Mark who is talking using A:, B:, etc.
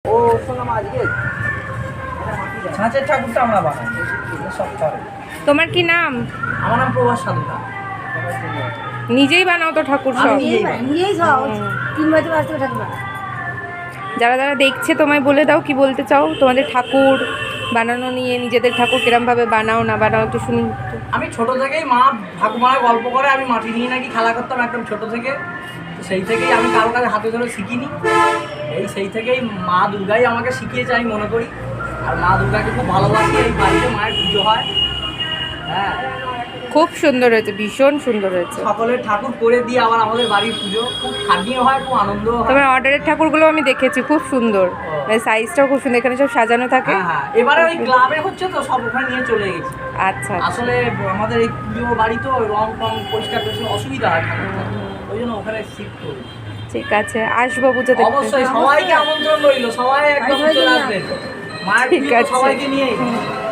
A: ও শোনাম আজকে ছাঁচের ঠাকুরটা আমরা বানাই সব করে।
B: তোমার কি নাম?
A: আমার নাম প্রভাস সাধুকা।
B: নিজেই বানাও তো ঠাকুর সব?
C: নিজেই সব 3 বছর আসতে ঠাকুর বানাই।
B: যারা যারা দেখছে তোমায় বলে দাও, কি বলতে চাও তোমাদের ঠাকুর বানানো নিয়ে, নিজেদের ঠাকুর কিরমভাবে বানাও না বানাও একটু শুনি।
A: আমি ছোট থেকেই মা ঠাকুমারা গল্প করে আমি মাটি নিয়ে নাকি খেলা করতাম একদম ছোট থেকে। তো সেই থেকেই আমি কারো কাছে হাতে ধরে শিখিনি। সেই থেকেই মা দুর্গাই আমাকে শিখিয়েছে আমি মনে করি। আর মা দুর্গাকে খুব ভালোবাসি। এই বাড়িতে মায়ের পুজো হয়। হ্যাঁ,
B: খুব সুন্দর হয়েছে, ভীষণ সুন্দর হয়েছে।
A: সকলের ঠাকুর করে দিয়ে আবার আমাদের বাড়ির পুজো খুব খাটনিও হয়, খুব আনন্দও হয়।
B: তোমার অর্ডারের ঠাকুরগুলো আমি দেখেছি, খুব সুন্দর, সাইজটাও খুব সুন্দর, এখানে সব সাজানো থাকে।
A: হ্যাঁ হ্যাঁ, এবারে ওই ক্লাবে হচ্ছে তো সব ওখানে নিয়ে চলে গেছি।
B: আচ্ছা,
A: আসলে আমাদের এই পুজো বাড়ি তো রং টং পরিষ্কার পরিষ্কার অসুবিধা হয় ঠাকুরটা, ওই জন্য ওখানে শিফট করি।
B: ঠিক আছে, আসবো পুজো দেখতে।
A: অবশ্যই সবাইকে আমন্ত্রণ রইল, সবাই একদম চলে আসবেন মায়ের
B: ঠিক
A: পুজো
B: আছে।
A: সবাইকে নিয়েই।